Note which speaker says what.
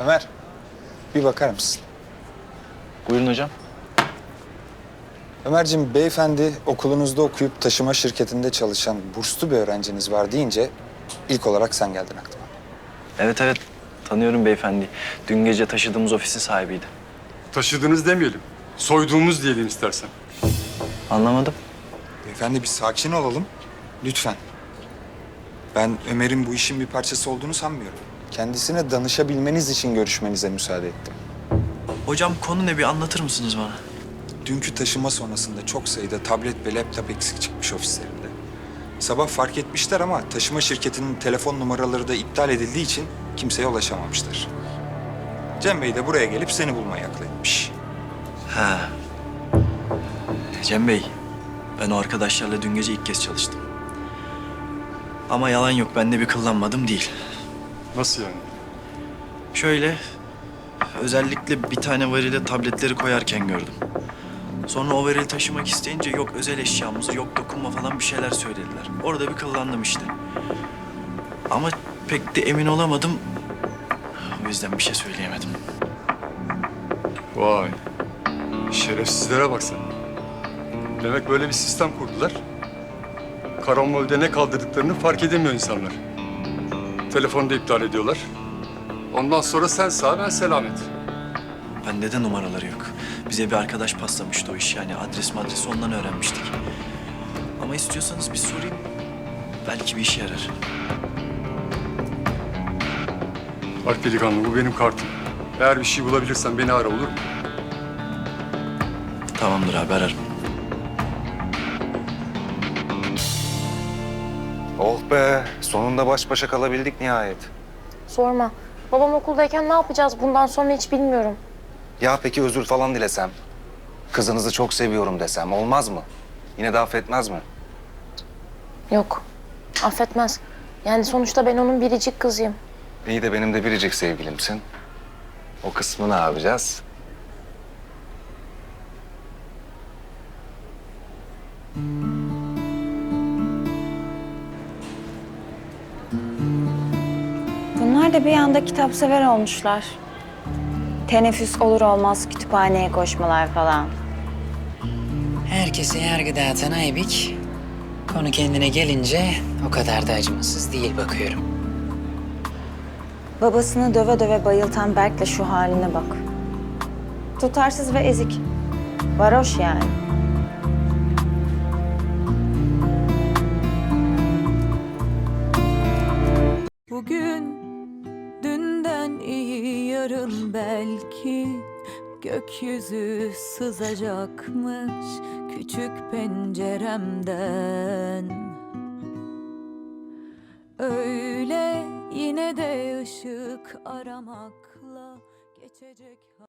Speaker 1: Ömer, bir bakar mısın?
Speaker 2: Buyurun hocam.
Speaker 1: Ömerciğim, beyefendi okulunuzda okuyup taşıma şirketinde çalışan burslu bir öğrenciniz var deyince ilk olarak sen geldin aklıma.
Speaker 2: Evet evet, tanıyorum beyefendi. Dün gece taşıdığımız ofisin sahibiydi.
Speaker 3: Taşıdığınız demeyelim. Soyduğumuz diyelim istersen.
Speaker 2: Anlamadım.
Speaker 1: Beyefendi bir sakin olalım, lütfen. Ben Ömer'in bu işin bir parçası olduğunu sanmıyorum. Kendisine danışabilmeniz için görüşmenize müsaade ettim.
Speaker 2: Hocam konu ne, bir anlatır mısınız bana?
Speaker 1: Dünkü taşıma sonrasında çok sayıda tablet ve laptop eksik çıkmış ofislerinde. Sabah fark etmişler ama taşıma şirketinin telefon numaraları da iptal edildiği için kimseye ulaşamamışlar. Cem Bey de buraya gelip seni bulmaya akıl etmiş.
Speaker 2: Ha. Cem Bey, ben o arkadaşlarla dün gece ilk kez çalıştım. Ama yalan yok, ben de bir kıllanmadım değil.
Speaker 3: Nasıl yani?
Speaker 2: Şöyle, özellikle bir tane varile tabletleri koyarken gördüm. Sonra o varili taşımak isteyince yok özel eşyamız, yok dokunma falan bir şeyler söylediler. Orada bir kıllandım işte. Ama pek de emin olamadım. O yüzden bir şey söyleyemedim.
Speaker 3: Vay. Şerefsizlere bak sen. Demek böyle bir sistem kurdular. Karambolde ne kaldırdıklarını fark edemiyor insanlar. Telefonu da iptal ediyorlar. Ondan sonra sen sağ ben selamet.
Speaker 2: Bende de numaraları yok. Bize bir arkadaş paslamıştı o iş, yani adres ondan öğrenmiştik. Ama istiyorsanız bir sorayım. Belki bir işe yarar.
Speaker 3: Bak delikanlı, bu benim kartım. Eğer bir şey bulabilirsen beni ara, olur mu?
Speaker 2: Tamamdır abi, ararım.
Speaker 4: Oh be, sonunda baş başa kalabildik nihayet.
Speaker 5: Sorma. Babam okuldayken ne yapacağız bundan sonra hiç bilmiyorum.
Speaker 4: Ya peki özür falan dilesem? Kızınızı çok seviyorum desem olmaz mı? Yine de affetmez mi?
Speaker 5: Yok. Affetmez. Yani sonuçta ben onun biricik kızıyım.
Speaker 4: İyi de benim de biricik sevgilimsin. O kısmı ne yapacağız?
Speaker 6: Bunlar da bir anda kitapsever olmuşlar. Teneffüs olur olmaz kütüphaneye koşmalar falan.
Speaker 7: Herkese yargı dağıtan Aybik, konu kendine gelince o kadar da acımasız değil bakıyorum.
Speaker 6: Babasını döve döve bayıltan Berk'le şu haline bak. Tutarsız ve ezik. Varoş yani.
Speaker 8: Bugün dünden iyi, yarın belki gökyüzü sızacakmış küçük penceremden. Öyle yine de ışık aramakla geçecek.